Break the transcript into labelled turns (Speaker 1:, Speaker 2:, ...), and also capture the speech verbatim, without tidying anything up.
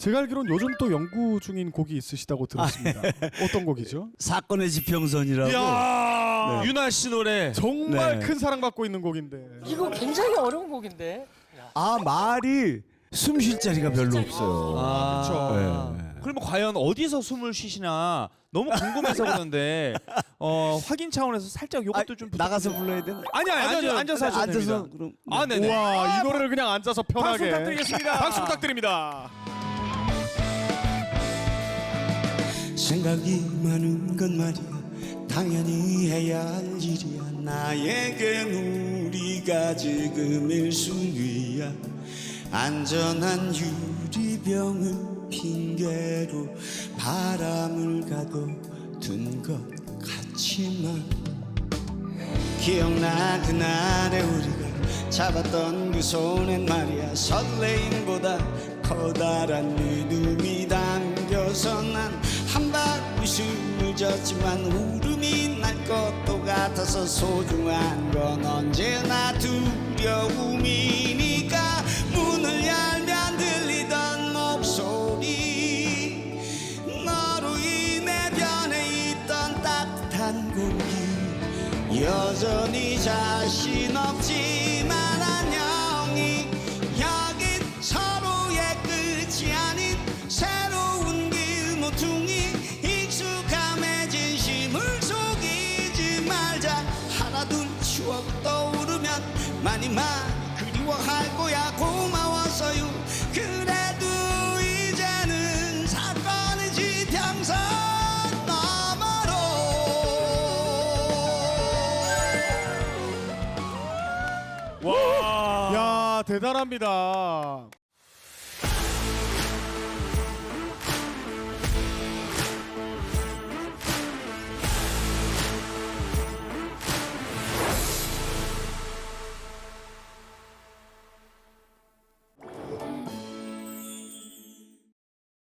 Speaker 1: 제가 알기로는 요즘 또 연구 중인 곡이 있으시다고 들었습니다. 어떤 곡이죠?
Speaker 2: 사건의 지평선이라고.
Speaker 1: 이야,
Speaker 3: 네. 유나 씨 노래.
Speaker 1: 정말
Speaker 2: 네.
Speaker 1: 큰 사랑받고 있는 곡인데.
Speaker 4: 이거 굉장히 어려운 곡인데.
Speaker 2: 아 말이 숨 쉴 자리가 별로 없어요.
Speaker 3: 아,
Speaker 1: 그렇죠.
Speaker 2: 네.
Speaker 3: 그러면 과연 어디서 숨을 쉬시나 너무 궁금해서 그러는데 어, 확인 차원에서 살짝 요것도
Speaker 2: 아,
Speaker 3: 좀
Speaker 2: 나가서 불러야 되나?
Speaker 3: 아니 아니 앉아, 앉아서 하셔도
Speaker 2: 앉아서
Speaker 3: 됩니다.
Speaker 2: 그럼.
Speaker 3: 아 네네.
Speaker 1: 우와, 이 노래를 그냥 앉아서
Speaker 3: 박수
Speaker 1: 편하게.
Speaker 3: 부탁드리겠습니다.
Speaker 1: 박수 부탁드립니다.
Speaker 5: 생각이 많은 건 말이야 당연히 해야 할 일이야 나에겐 우리가 지금 일순위야 안전한 유리병을 핑계로 바람을 가둬둔 것 같지만 기억나 그날에 우리가 잡았던 그 손엔 말이야 설레임보다 커다란 믿음이 담겨서 난 한 방 웃음을 졌지만 울음이 날 것도 같아서 소중한 건 언제나 두려움이니까 문을 열면 들리던 목소리 너로 인해 변해 있던 따뜻한 공기 여전히 자신 없지만 안녕히 여긴 서로의 끝이 아닌 새로운 길 모퉁이 익숙함에 진심을 속이지 말자 하나둘 추억 떠오르면 많이 많이 그리워할 거야 고마워서요 그래도 이제는 사건의 지평선 너머로
Speaker 1: 야, 대단합니다.